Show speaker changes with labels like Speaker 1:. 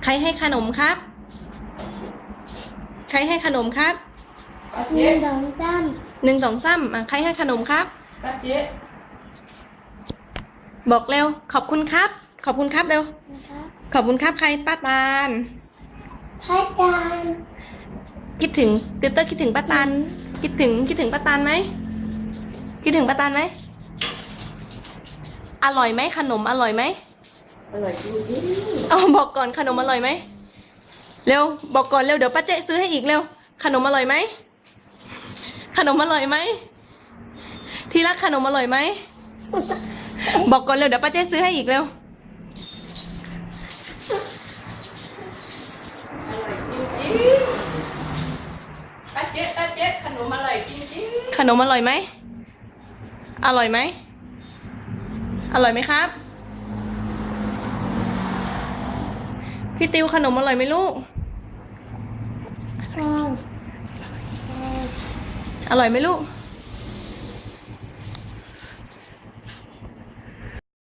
Speaker 1: ใครให้ขนมครับ ใครให้ขนมครับ
Speaker 2: หนึ่งสองสาม
Speaker 1: หนึ่งสองสามใครให้ขนมครับ
Speaker 3: ป้าเจ๊
Speaker 1: บอกเร็ว ขอบคุณครับ ขอบคุณครับเร็ว
Speaker 2: นะคะ
Speaker 1: ขอบคุณครับใครป้าตาล
Speaker 2: พระอาจารย์
Speaker 1: คิดถึงติวเตอร์คิดถึงป้าตาล คิดถึงป้าตาลไหม คิดถึงป้าตาลไหม อร่อยไหมขนมอร่อยไหม
Speaker 3: อร่อยจริง
Speaker 1: เอาบอกก่อนขนมอร่อยไหม เร็วบอกก่อนเร็วเดี๋ยวป้าเจ๊ซื้อให้อีกเร็ว ขนมอร่อยไหม ขนมอร่อยไหม ที่รักขนมอร่อยไหม บอกก่อนเร็วเดี๋ยวป้าเจ๊ซื้อให้อีกเร็ว
Speaker 3: ๆอร่อยจริงๆป้าเจ๊ขนมอร่อยจริง
Speaker 1: ขนมอร่อยไหม อร่อยไหม อร่อยไหมครับ พี่ติวขนมอร่อยไหมลูก
Speaker 2: ค่ะ
Speaker 1: อร่อยไหมลูก